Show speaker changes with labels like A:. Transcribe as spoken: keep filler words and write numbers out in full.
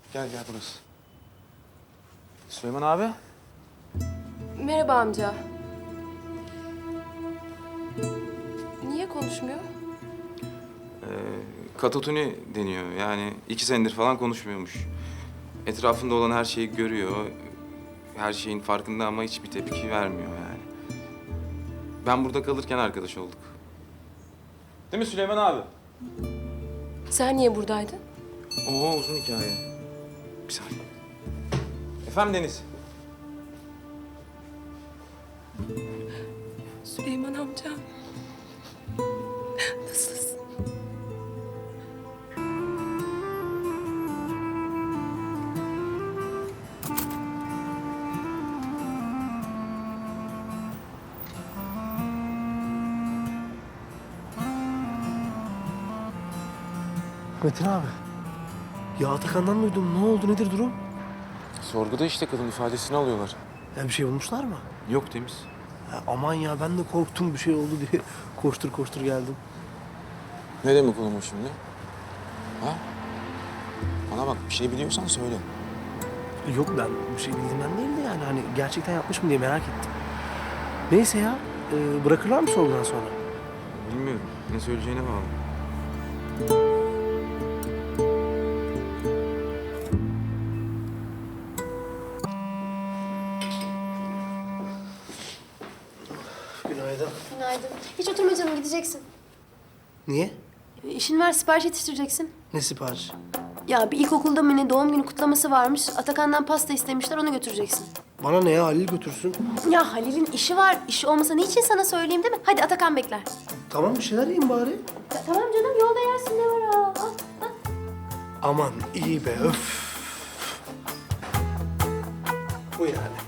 A: Gel gel burası. Süleyman abi.
B: Merhaba amca. Niye konuşmuyor?
A: Ee, katatoni deniyor. Yani iki senedir falan konuşmuyormuş. Etrafında olan her şeyi görüyor. Her şeyin farkında ama hiçbir tepki vermiyor yani. Ben burada kalırken arkadaş olduk. Değil mi Süleyman abi?
B: Sen niye buradaydın?
A: Oo uzun hikaye. Bir saniye. Efendim Deniz.
B: Süleyman amca. Nasılsın?
C: Metin abi. Ya Atakan'dan duydum. Ne oldu? Nedir durum?
A: Sorguda işte kadın ifadesini alıyorlar.
C: Ya bir şey bulmuşlar mı?
A: Yok Temiz.
C: Ya aman ya ben de korktum bir şey oldu diye koştur koştur geldim.
A: Ne demek oğlum o şimdi? Ha? Bana bak bir şey biliyorsan söyle.
C: Yok ben bir şey bildiğimden değil de yani hani gerçekten yapmış mı diye merak ettim. Neyse ya e, bırakırlar mı sorgudan sonra?
A: Bilmiyorum. Ne söyleyeceğine bağlı.
C: Günaydın.
D: Günaydın. Hiç oturma canım, gideceksin.
C: Niye?
D: E, İşin var, sipariş yetiştireceksin.
C: Ne sipariş?
D: Ya bir ilkokulda mı ne doğum günü kutlaması varmış. Atakan'dan pasta istemişler, onu götüreceksin.
C: Bana ne ya Halil götürsün.
D: Ya Halil'in işi var. İşi olmasa niçin sana söyleyeyim değil mi? Hadi Atakan bekler.
C: Tamam bir şeyler yiyeyim bari.
D: Ya, tamam canım, yolda yersin, ne var ha? Al, al.
C: Aman iyi be öf. Bu yani.